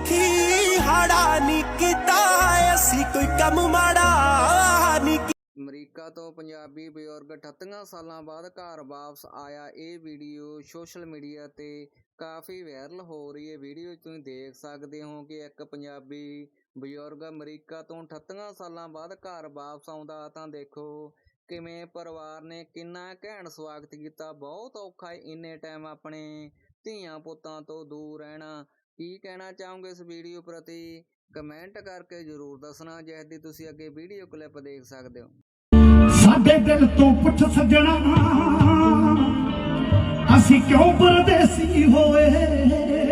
अखी हाड़ा नी कीता असी कोई कम माड़ा नी। ਅਮਰੀਕਾ ਤੋਂ ਪੰਜਾਬੀ ਬਜ਼ੁਰਗ 38 ਸਾਲਾਂ ਬਾਅਦ ਘਰ ਵਾਪਸ ਆਇਆ। ਇਹ ਵੀਡੀਓ ਸੋਸ਼ਲ ਮੀਡੀਆ ਤੇ ਕਾਫੀ ਵਾਇਰਲ ਹੋ ਰਹੀ ਹੈ। ਵੀਡੀਓ ਤੁਸੀਂ ਦੇਖ ਸਕਦੇ ਹੋ ਕਿ ਇੱਕ ਪੰਜਾਬੀ ਬਜ਼ੁਰਗ ਅਮਰੀਕਾ ਤੋਂ 38 ਸਾਲਾਂ ਬਾਅਦ ਘਰ ਵਾਪਸ ਆਉਂਦਾ ਤਾਂ ਦੇਖੋ ਕਿਵੇਂ ਪਰਿਵਾਰ ਨੇ ਕਿੰਨਾ ਘੈਂਟ ਸਵਾਗਤ ਕੀਤਾ। ਬਹੁਤ ਔਖਾ ਇੰਨੇ ਟਾਈਮ ਆਪਣੇ ਧੀਆਂ ਪੁੱਤਾਂ ਤੋਂ ਦੂਰ ਰਹਿਣਾ। ਕੀ ਕਹਿਣਾ ਚਾਹੋਗੇ ਇਸ ਵੀਡੀਓ ਪ੍ਰਤੀ ਕਮੈਂਟ ਕਰਕੇ ਜ਼ਰੂਰ ਦੱਸਣਾ, ਜਿਸ ਦੀ ਤੁਸੀਂ ਅੱਗੇ ਵੀਡੀਓ ਕਲਿੱਪ ਦੇਖ ਸਕਦੇ ਹੋ। ਸਾਡੇ ਦਿਲ ਤੋਂ ਪੁੱਛ ਸੱਜਣਾ ਅਸੀਂ ਕਿਉਂ ਪਰਦੇਸੀ ਹੋਏ।